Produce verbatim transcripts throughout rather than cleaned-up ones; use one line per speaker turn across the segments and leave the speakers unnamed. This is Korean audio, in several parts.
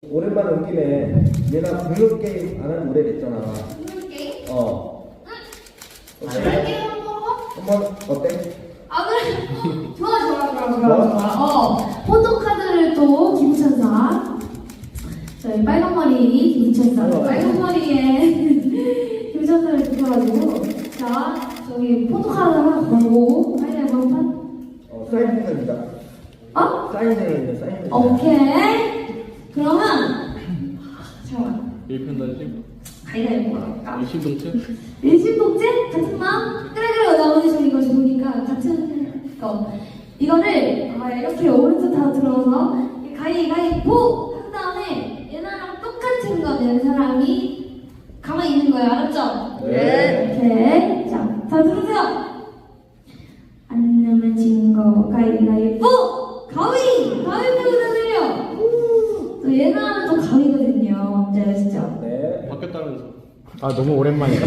오랜만에 온 김에 얘나 공룡 게임 안 하는 노래 냈잖아.
공룡 게임?
어.
응? 공룡 게임 한번 해봐.
한번 어때?
아 그래? 좋아 좋아 좋아 좋아 좋아. 어 포토카드를 또 김천사. 저희 빨간 머리 김천사.
어.
빨간 머리에 김천사를 붙여가지고 자 저기 포토카드 하나 걸고 빨리 한번 판.
어, 사인 행사입니다.
어?
사인 행사입니다. 사인 행사.
오케이. 그러면 잠깐만.
일편 단심,
가위바위보 할까?
일심동체.
일심동체? 같은 마음? 그래 그래 나머지 좀 이거 좋으니까 같은 거 이거를 아, 이렇게 오른쪽 다 들어서 가위바위보 한 다음에 얘나랑 똑같은 거 낸 사람이 가만히 있는 거예요 알았죠?
네.
오케이 자, 다 들으세요 안 내면 진거 가위바위보 가위! 가위바위보 다 들려 또 얘나는 또 가위거든요 네 진짜
네.
바뀌었다면서.
아 너무 오랜만이다.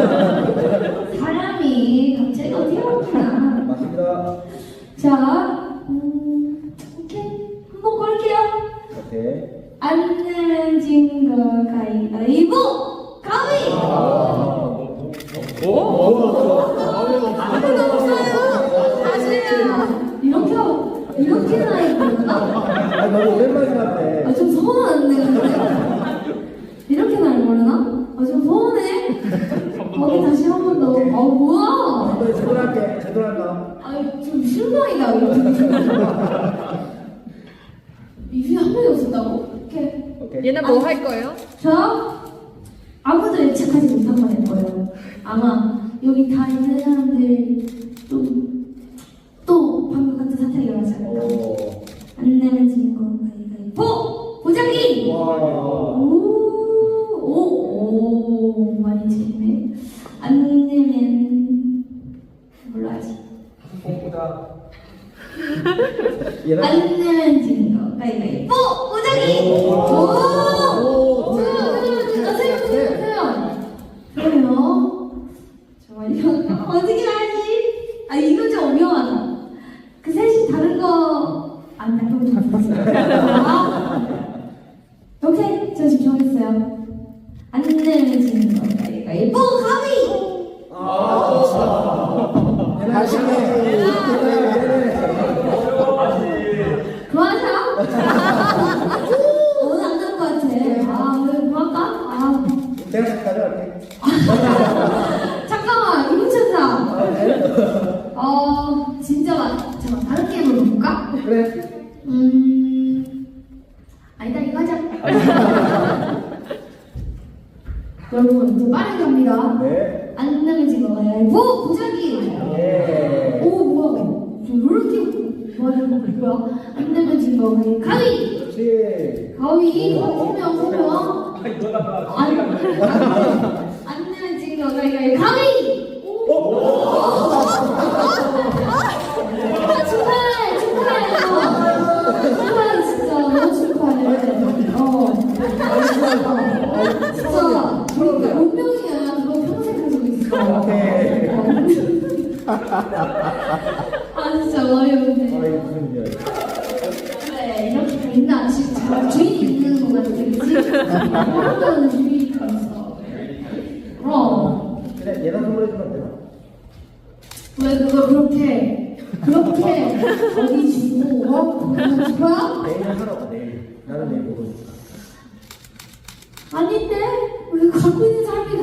사람이 갑자기 어디 갔구나.
맞습니다.
자, 음, 오케이. 한번 걸게요.
오케이.
안 내면 진거 가위바위보! 가위!
오? 오?
아무도 없어요! 다시요! 이렇게, 이렇게 나이 보나?
아, 너무 오랜만이라네.
아, 좀 서운한데, 근데? 이렇게 나이 모르나? 아, 좀 서운해. 거기 다시 한 번 더. 아, 뭐야?
한번 제대로 할게. 제대로 할까?
아니 좀 실망이다 이거. 입이 한 번이 없었다고? 오케이.
오케이.
얘는 뭐 할 거예요?
저 아무도 예측하지 못한 거 낼 거예요. 아마 여기 다 있는 사람들 또또 방금 같은 사태가 일어나지 않을까.
오.
안 내면 지는 거 가위바위보 보자기.
와.
오오오 많이 지네. 안 내면 몰라야지.
공보다. 얘는
안 내면 지는 거 가위바위보 보자기.
오.
오. 세요 세요 세요 세요. 그래요. 잠깐만요. 어떻게 하지? 아 이거 좀 위험하다. 그 셋이 다른 거안 나쁘면 좋겠어요. 오케이, 저 지금 정했어요. 안 내면 지는 거 가위바위보 가위.
아. 얘는 시네.
그만하자. 오늘 안 될 것 같아. 아, 오늘 그만할까? 아,
내가 가져갈게.
잠깐만, 이문천사. 어, 진짜 많. 잠깐 다른 게임으로 볼까?
그래.
음, 아니다 이거 하자. 여러분 이제 빠르게 갑니다.
네.
안 내면 지금 가위바위보 보자기.
예.
오 뭐야? 저 롤티 뭐하는 거 뭐야? 안 내면 지금 가위 가위.
그렇지.
가위 소명 소명. 안 안 내면 지금 가위 가위 가위. 축하해 축하해 축하해 진짜 너무 축하해. 어. 진짜 그러니까 운명이야. 너 평생 가지고 있어.
오케이.
아 진짜 어이없네.
아, 이게 무슨 일이야.
그래 이렇게 다 있나? 진짜 주인이 있는 거 같아, 그치? 사람들은 주인이 있어. 그럼
그래, 얘나 선물해주면 되나?
왜 그걸 그렇게 그렇게 어디 주고 어? 그거 줄 거야?
내일은 하러 가, 내일. 나는 내일 모르니까.
아닌데 우리 갖고 있는 사람이